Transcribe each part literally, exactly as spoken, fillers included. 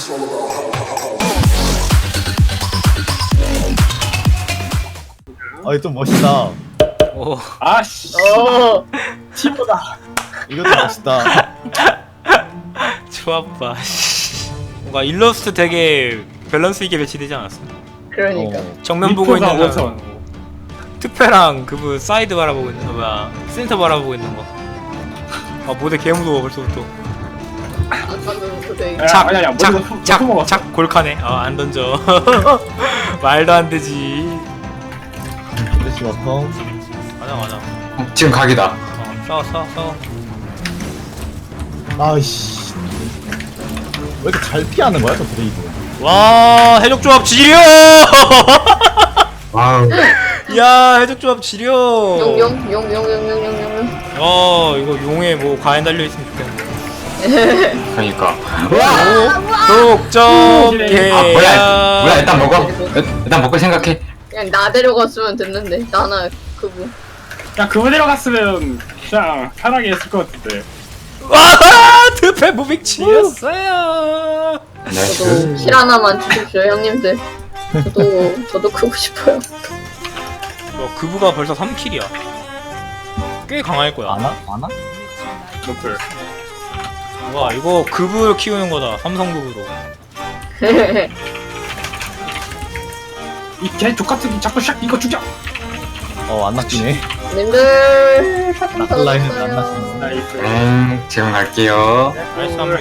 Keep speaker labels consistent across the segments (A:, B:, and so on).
A: 아이 좀 멋있다.
B: 오.
C: 아씨.
D: 어.
C: 티보다.
A: 이것도 멋있다.
B: 좋아봐. 뭔가 일러스트 되게 밸런스 있게 배치되지 않았어?
D: 그러니까.
A: 어.
B: 정면 보고 있는
C: 미포가
B: 사람,
C: 오천.
B: 특패랑 그분 사이드 바라보고 있는 거 뭐야? 센터 바라보고 있는 거. 아 모델 개 무서워 벌써부터.
D: 아까는 그대.
C: 야, 아니, 아니, 먼저 후- 후 먹었어.
B: 착착착 골카네. 아안 던져. 말도 안 되지.
A: 플래시 워펑.
B: 맞아 맞아.
E: 어, 지금 각이다.
B: 어 싸워 싸워 싸워.
A: 아이씨. 왜 이렇게 잘 피하는 거야 저 브레이브?
B: 와 해적조합 지려.
E: 와우.
B: 야 해적조합 지려.
D: 용용용용용용용용.
B: 어 이거 용에 뭐 과연 달려 있으면 좋겠네.
E: 그러니까.
B: 독점
E: 아
B: 개야.
E: 뭐야? 뭐야? 일단 먹어. 일단 먹고 생각해.
D: 그냥 나 데려갔으면 됐는데 나나 그분.
C: 야 그거 데려갔으면 그냥 편하게 했을 것 같은데.
B: 와 드패 무빙 치였어요.
D: 저도
E: 나이스.
D: 실 하나만 주십시오 형님들. 저도 저도 크고 싶어요.
B: 어, 그부가 벌써 삼 킬이야. 꽤 강할 거야.
A: 안아? 안아?
C: 노플.
B: 와 이거 그부 키우는 거다. 삼성 그부로.
C: 이개 족같은 자꾸 샥 이거 죽여.
A: 어안 낚이네.
D: 님들
A: 낚을 라인은 안 낚이네.
C: 나이스.
E: 음, 지금 갈게요.
B: 나이스 한뷰.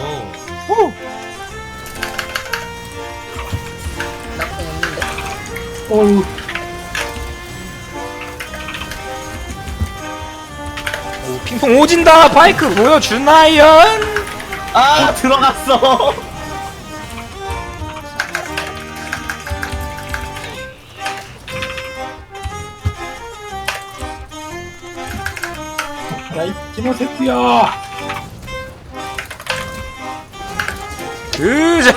D: 나쁜 없는데.
C: 오우.
B: 오 핑퐁 오진다. 바이크 보여주나연.
A: 아 들어갔어.
C: 야이 키모세트야.
B: 으자.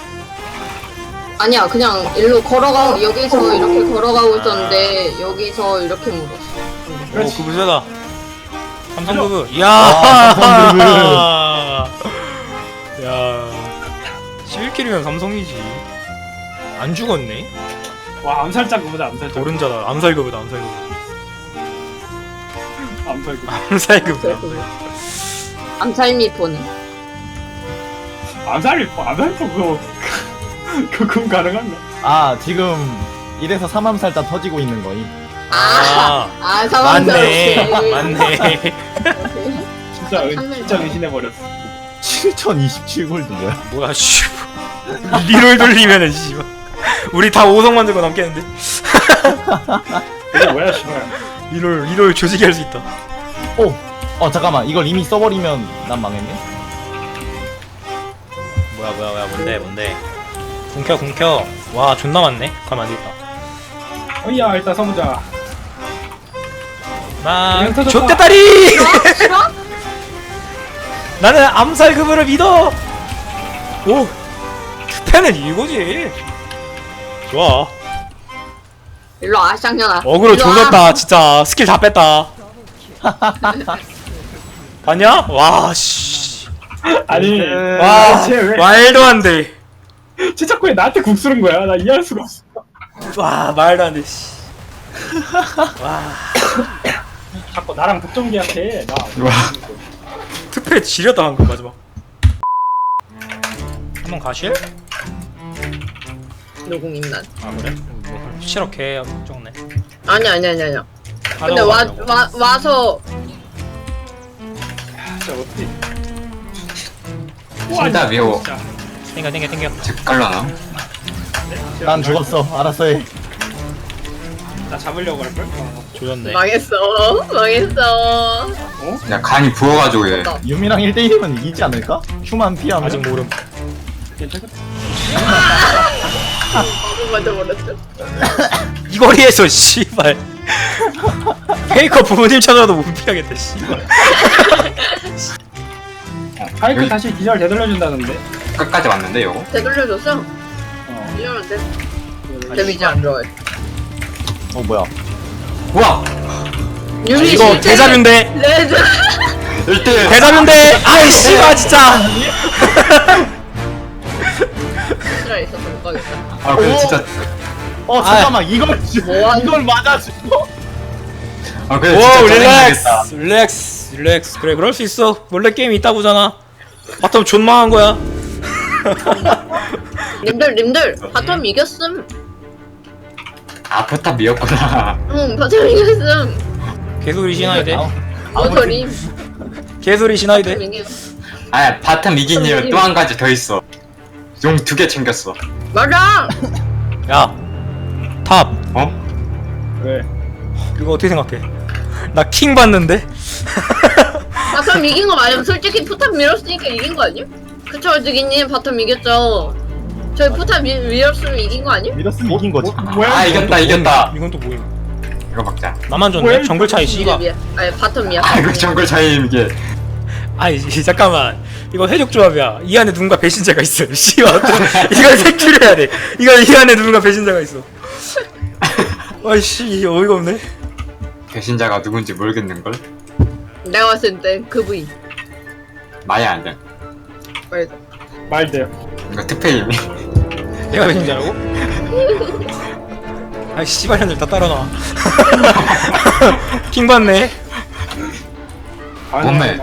D: 아니야 그냥 일로 걸어가 여기서 이렇게 걸어가고 있었는데 여기서 이렇게 물었어.
B: 오
C: 그렇지.
B: 그부 세다. 삼성 그부. 이야.
A: 아,
B: 야. 십일 킬이면 삼성이지. 안 죽었네.
C: 와 암살자 그보다 암살자.
B: 도른자다. 암살그부다 암살그부.
C: 암살 그.
B: 암살그부다.
D: 암살미포네.
C: 암살이 암살도 그거 그금 가능한가?
A: 아 지금 이래서 삼암살자 터지고 있는 거임.
D: 아,
B: 아.
D: 아 상황상.
B: 맞네. 맞네.
C: 진짜 은, 진짜 의심해 버렸어.
A: 칠천이십칠 골드 뭐야?
B: 뭐야 씨. 리롤 돌리면은 씨발. 우리 다 오성 만들고 남겠는데.
C: 이게 뭐야 씨발.
B: 리롤 리롤 조직이 할 수 있다.
A: 오! 어 잠깐만 이걸 이미 써버리면 난 망했네?
B: 뭐야 뭐야 뭐야 뭔데 뭔데. 궁켜 궁켜. 와 존나 많네. 가만 안 되겠다.
C: 어이야 일단 서보자.
B: 나
C: 그냥 터졌다.
B: 좆대다리.
D: 싫어?
B: 나는 암살 그부를 믿어. 오. 투패는 이거지. 좋아.
D: 일로 와 쌍년아.
B: 어그로
D: 일로 와.
B: 조졌다 진짜. 스킬 다 뺐다. 봤냐? 와 씨.
C: 아니
B: 와
C: 쟤 왜?
B: 말도 안 돼.
C: 쟤 자꾸 왜 나한테 궁 쓰는 거야? 나 이해할 수가 없어.
B: 와 말도 안 돼. 씨. 와
C: 자꾸 나랑 독점기한테 나.
E: 와.
B: 투패 지렸다 방금 마지막. 한번 가실?
D: 노공임 난.
B: 아 그래? 뭐 실렇게 적네.
D: 아니 아니 아니 아니야. 근데 와, 와 와서
C: 진짜 어떻게?
E: 진짜 미워.
C: 진짜.
B: 땡겨 땡겨 땡겨.
E: 집 갈라나?
A: 난 죽었어. 알았어 해.
C: 나 잡으려고 할 걸? 어.
B: 조졌네.
D: 망했어 망했어.
E: 야, 간이 부어가지고 얘.
A: 유미랑 일 대일이면 이기지 않을까? 큐만 피하면?
B: 아직 모름.
C: 괜찮겠다.
D: 바보 맞아버렸어.
B: 이 거리에서 씨발. 페이커 부모님 찾아도 못 피하겠다 씨발.
C: 파이크
E: 여기-
C: 다시 기절 되돌려준다는데.
E: 끝까지 왔는데, 요거?
D: 되돌려줬어?
C: 어.
D: 이러면 돼. 데미지 안 좋아해.
A: 어 뭐야?
E: 우와!
D: 유미
B: 이거
D: 실제
B: 대자뷰인데.
D: 레드.
E: 일 대 일!
B: 대자뷰인데. 아이 씨발 진짜.
E: 아 근데 진짜
A: 어 잠깐만 이걸
D: 뭐 하는-
A: 이걸 맞아줘.
E: 아 근데
B: 오
E: 진짜
B: 릴렉스
E: 짜증나겠다.
B: 릴렉스 릴렉스 그래 그럴 수 있어 원래 게임이 있다고잖아 바텀 존망한 거야
D: 님들 님들 바텀 이겼음.
E: 아 포탑 이었구나.
D: 응 바텀 이겼음.
B: 개소리 신화이 돼
D: 모서리.
B: 개소리 신화이 돼
E: 아 바텀 이긴 이유
D: 선생님.
E: 또 한 가지 더 있어. 용 두 개 챙겼어.
D: 맞아.
B: 야탑
E: 어?
C: 왜?
B: 이거 어떻게 생각해 나 킹 받는데
D: 바텀 이긴 거 맞으면 솔직히 포탑 밀었으니까 이긴 거 아님? 그쵸 주기님 바텀 이겼죠. 저희 포탑 밀, 밀었으면 이긴 거 아님?
A: 밀었으면 이긴 거지.
C: 뭐, 뭐야?
E: 아 이겼다 이겼다.
B: 이건 또 뭐임
E: 이거 먹자.
B: 나만 줬네
C: 왜?
B: 정글 차이 씨가
D: 미안. 아니 바텀 미야.
E: 아 이거 정글 차이 이게.
B: 아이 이- 잠깐만 이거 해적 조합이야 이 안에 누군가 배신자가 있어 씨발 이걸 색출을 해야 돼 이거 이 안에 누군가 배신자가 있어 아이씨 어이가 없네
E: 배신자가 누군지 모르겠는 걸.
D: 내가 봤을 때 그 부인.
E: 마야 안 돼.
D: 말도.
C: 말돼요.
E: 이거 특패임이.
B: 내가 배신자라고? 아이 씨발년들 다 따라놔 킹 받네
E: 몸매.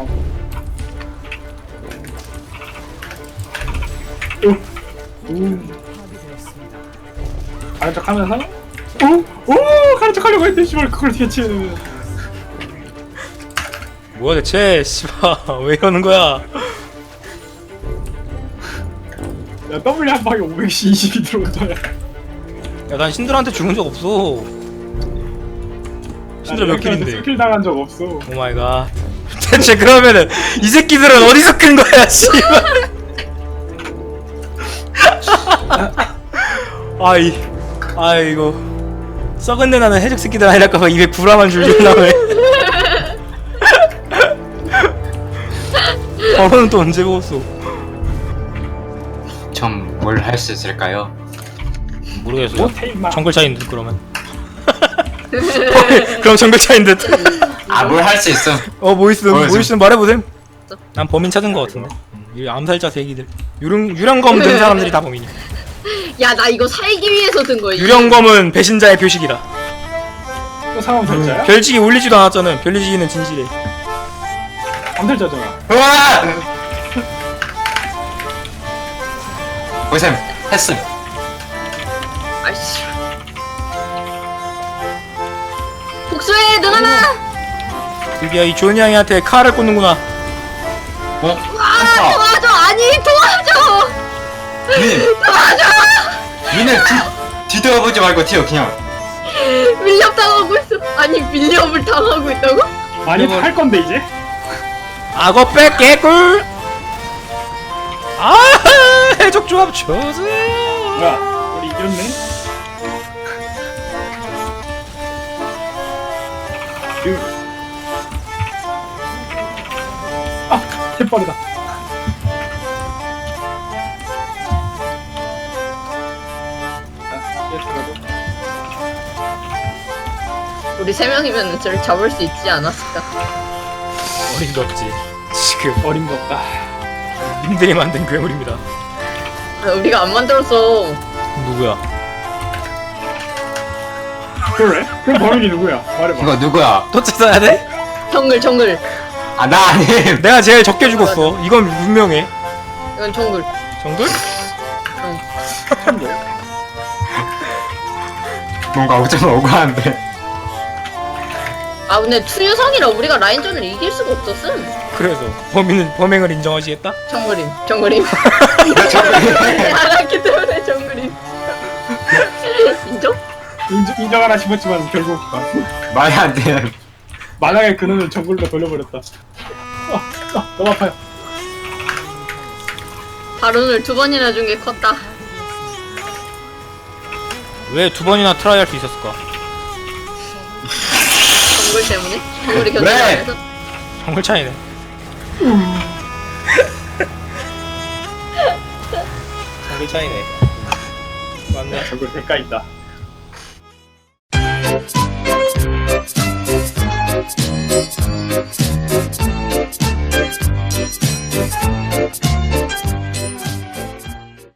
C: 가는 척 하면서 오! 오! 가는 척 하려고 했는데 씨발 그걸 대체
B: 뭐야 대체 씨발 왜 이러는 거야
C: 야 W 한 방에 오백이십이 들어온 거야.
B: 야 난 신들한테 죽은 적 없어 신들 몇 킬인데
C: 스킬 당한 적 없어.
B: 오마이갓 대체 그러면은 이 새끼들은 어디서 큰 거야 씨발 아이 아이고 썩은 내 나는 해적 새끼들 아니랄까봐 입에 구라만 줄줄 나네 저거는 또 언제 먹었어
E: 좀 뭘 할 수 있을까요?
B: 모르겠어요
C: 못해 임마.
B: 정글 차이인 듯 그러면 그럼 정글 차이인 듯
E: 아 뭘 할 수 있어.
B: 어, 뭐 있음,
E: 뭐야,
B: 뭐
E: 지금?
B: 있음 말해보셈. 난 범인 찾은 거 같은데. 이 암살자 새끼들. 유령 유령검 든 사람들이 다 범인이야.
D: 야 나 이거 살기 위해서 든 거야.
B: 유령검은 배신자의 표식이다.
C: 또 상황 살자야?
B: 별지기 울리지도 않았잖아. 별지기는 진실해.
C: 암살자잖아.
E: 우와! 보셈 했음.
D: 아이씨. 복수해 누나나.
B: 드디어 이 조니 양이한테 칼을 꽂는구나.
E: 어?
D: 아
E: 한타.
D: 도와줘 아니 도와줘.
E: 민.
D: 도와줘.
E: 민을 뒤 뒤돌아보지 말고 튀어 그냥.
D: 밀렵 당하고 있어. 아니 밀렵을 당하고 있다고?
C: 많이
B: 이거-
C: 할 건데 이제?
B: 악어 백 개꿀. 아 해적 조합 좋으세요.
C: 뭐야? 우리 이겼네? 으. 아! 개빠르다. 아, 얘 들어가고.
D: 우리 세 명이면 저를 잡을 수 있지 않았을까?
B: 어림도 없지. 지금
C: 어림도 없다.
B: 님들이 만든 괴물입니다.
D: 아, 우리가 안 만들었어.
B: 누구야?
C: 그래? 그럼 범인이 누구야? 말해봐.
E: 이거 누구야?
B: 또 찾아야 돼?
D: 정글 정글.
E: 아 나 아님.
B: 내가 제일 적게 죽었어. 이건 분명해.
D: 이건 정글.
B: 정글?
E: 뭔가 좀 억울한데.
D: 아 근데 투유성이라 우리가 라인전을 이길 수가 없었음.
B: 그래서 범인은 범행을 인정하시겠다?
D: 정글임 정글임.
E: 정글임.
D: 알았기 때문에 정글임. 인정?
C: 인정, 인정하나 싶었지만 결국
E: 말이 안 돼.
C: 만약에 그놈을 정글로 돌려버렸다. 아, 아, 너무 아파요.
D: 바론을 두 번이나 준 게 컸다.
B: 왜 두 번이나 트라이 할 수 있었을까?
D: 정글 때문에? 정글이 견제
E: 왜?
D: 안 해서?
B: 정글 차이네. 정글 차이네. 맞네.
C: 정글 대가 있다.
F: Thank you.